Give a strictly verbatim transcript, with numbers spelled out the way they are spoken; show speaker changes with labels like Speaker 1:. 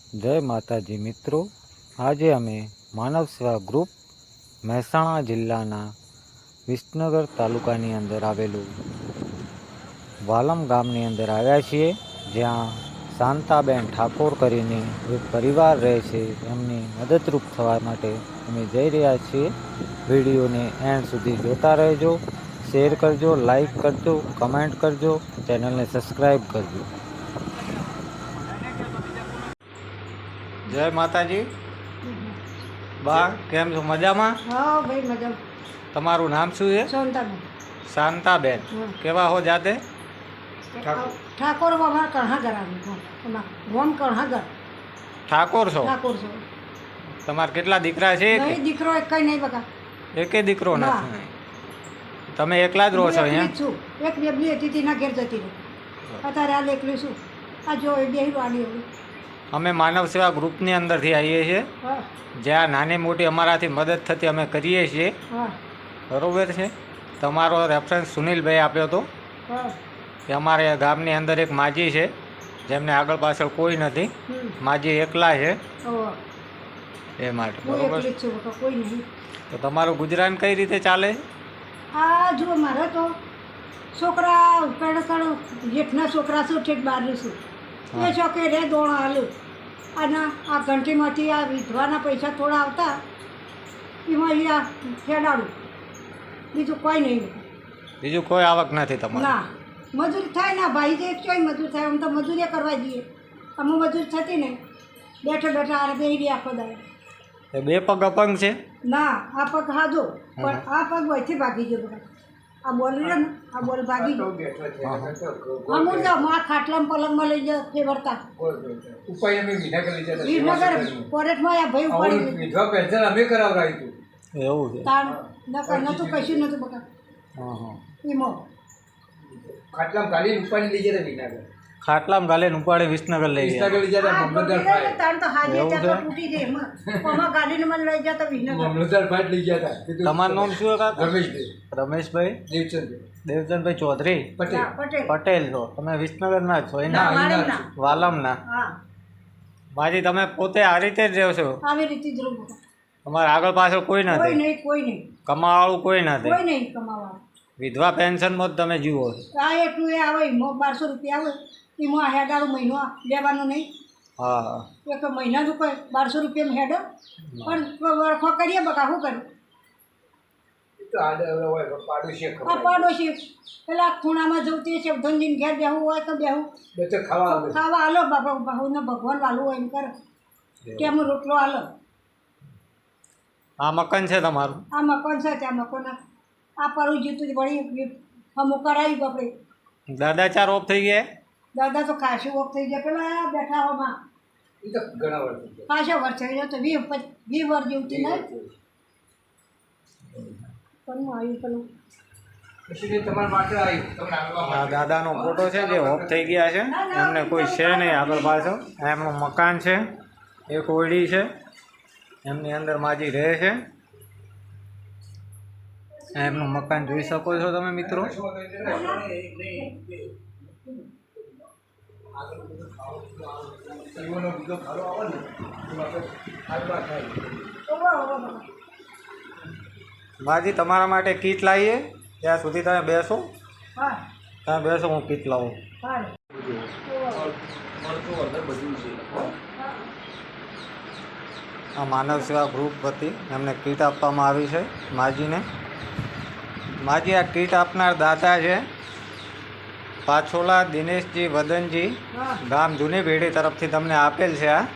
Speaker 1: જય માતાજી મિત્રો, આજે અમે માનવ સેવા ગ્રુપ મહેસાણા જિલ્લાના વિસનગર તાલુકાની અંદર આવેલું વાલમ ગામની અંદર આવ્યા છીએ, જ્યાં શાંતાબેન ઠાકોર કરીને એક પરિવાર રહે છે. એમની મદદરૂપ થવા માટે અમે જઈ રહ્યા છીએ. વિડીયોને એન્ડ સુધી જોતા રહેજો, શેર કરજો, લાઈક કરજો, કમેન્ટ કરજો, ચેનલને સબસ્ક્રાઈબ કરજો. જય માતાજી. બા, કેમ છો? મજામાં?
Speaker 2: હા ભાઈ, મજા.
Speaker 1: તમારું નામ શું છે?
Speaker 2: શાંતાબેન.
Speaker 1: શાંતાબેન. કેવા હો જાતે?
Speaker 2: ઠાકોર અમારા કણહાગર આવ્યું. ગોમ કણહાગર.
Speaker 1: ઠાકોર છો?
Speaker 2: ઠાકોર છો.
Speaker 1: તમારા કેટલા દીકરા છે?
Speaker 2: નહીં, દીકરો એક કઈ નહીં બકા.
Speaker 1: એકે દીકરો નથી. તમે એકલા જ રહો છો અહીંયા?
Speaker 2: છું. એક બેબી હતી તેના ઘેર જતી રહી. અત્યારે આ એકલી છું. આ જો એ બે વાળી હતી.
Speaker 1: અમે માનવ સેવા ગ્રુપની અંદરથી આવીએ છીએ, જ્યાં નાની મોટી અમારાથી મદદ થતી અમે કરીએ છીએ. બરોબર છે. તમારો રેફરન્સ સુનિલભાઈ આપ્યો હતો કે અમારે ગામની અંદર એક માજી છે જેમને આગળ પાછળ કોઈ નથી, માજી એકલા છે એ માટે. બરોબર. તો તમારું ગુજરાન કઈ રીતે ચાલે?
Speaker 2: આ જો મારે તો છોકરા પેડ જેઠના છોકરા શું ઠેઠ બહાર છું એ ચોકે રે દોણ હાલું. અને આ ઘંટીમાંથી આ વિધવાના પૈસા થોડા આવતા એમાં અહીંયા ખેડાડું, બીજું કોઈ નહીં.
Speaker 1: બીજું કોઈ આવક નથી તમારે?
Speaker 2: ના, મજૂરી થાય ના ભાઈ, જે ચોઈ મજૂર થાય. આમ તો મજૂરી કરવા જઈએ, અમે મજૂર થતી નહીં. બેઠા બેઠા આ બે આખો દાડે.
Speaker 1: એ બે પગ અપંગ છે?
Speaker 2: ના, આ પગ હાજો, પણ આ પગ વહીથી ભાગી ગયો બધા. આ બોલ ને આ બોલ ભાગી ગયો. અમુક જાઓ આ ખાટલામાં પલંગમાં લઈ જાઓ ફેવરતા વિસનગર કોરેટમાં આ ભાઈ ઉપાડી
Speaker 3: વિધવા પેન્શન અમે કરાવરાયું હતું.
Speaker 1: એવું છે?
Speaker 2: તાણ નકર નતું કશું નતું બકા.
Speaker 1: હા હા.
Speaker 2: એમાં
Speaker 3: ખાટલામાં ગાલી ઉપાડી લઈ જતા વિસનગર.
Speaker 1: ખાટલામાં ગાલે ઉપાડે વિસનગર લઈ ગયા.
Speaker 3: વિસનગર લઈ જતા મામલતદાર ફાઈટ.
Speaker 2: તાણ તો હાજે ત્યાં તૂટી જાય એમાં. આમાં ગાડીને મને લઈ જતા વિસનગર.
Speaker 3: મામલતદાર ફાઈટ લઈ ગયા હતા.
Speaker 1: તમારું નામ શું હતા?
Speaker 3: રમેશભાઈ.
Speaker 1: રમેશભાઈ
Speaker 3: દેવચંદ
Speaker 1: દેવચંદભાઈ ચૌધરી
Speaker 3: પટેલ.
Speaker 2: પટેલ
Speaker 1: પટેલ છો તમે? વિસનગરના જ છો?
Speaker 2: ના,
Speaker 1: એના
Speaker 2: વાળંદના.
Speaker 1: વાલમના.
Speaker 2: હા,
Speaker 1: માજી તમે પોતે આ રીતે જ રહો છો?
Speaker 2: આવી રીતે જ રહું બકા.
Speaker 1: તમારે આગળ પાછળ કોઈ
Speaker 2: કોઈ
Speaker 1: નથી?
Speaker 2: નહીં, કોઈ નહીં,
Speaker 1: કમાવાળું કોઈ નથી?
Speaker 2: કોઈ નહીં કમાવા.
Speaker 1: વિધવા પેન્શનમાં જ તમે જીવો છો?
Speaker 2: આ એટલું એ આવે એમાં બારસો રૂપિયા આવે એમાં હેડાડો મહિનો લેવાનું નહીં.
Speaker 1: હા.
Speaker 2: એક મહિનાનું કોઈ બારસો રૂપિયામાં હેડો પણ વરખો કરીએ બકા. શું કરું? આ પાડોશી પેલા ખૂણામાં જવું તે છે ધનજીને ઘેર બેહવું હોય તો બેહું, ખાવા હાલો બાપા બહુને ભગવાન વાલું હોય એમ કરે કેમ રોટલો હાલો.
Speaker 1: આ મકાન છે તમારું?
Speaker 2: આ મકાન છે, ત્યાં મકાન આ પરવું જીતું જ વળી અમુક કરાવ્યું આપણે.
Speaker 1: દાદા ચાર ઓફ થઈ ગયા?
Speaker 2: દાદા તો ખાસું ઓફ થઈ ગયા. પેલા બેઠા હોમાં ખાસો વર્ષ થઈ ગયો તો વી વી વર્ષ જેવું નહીં પણ આવ્યું પેલું.
Speaker 1: આ દાદાનો ફોટો છે જે ઓફ થઈ ગયા છે, એમને કોઈ છે નહીં આગળ પાછળ. એમનું મકાન છે, એક ઓરડી છે, એમની અંદર માજી રહે છે. એમનું મકાન જોઈ શકો છો તમે મિત્રો. માજી તમારા માટે કીટ લાવીએ, ત્યાં સુધી તમે બેસો.
Speaker 2: હા,
Speaker 1: તમે બેસો, હું કીટ લાવું.
Speaker 2: હા.
Speaker 1: આ માનવ સેવા ગ્રુપ વતી એમને કીટ આપવામાં આવી છે માજીને. માજી આ કીટ આપનાર દાતા છે પાછોલા દિનેશજી વદનજી, ગામ જૂની પેઢી તરફથી તમને આપેલ છે આ.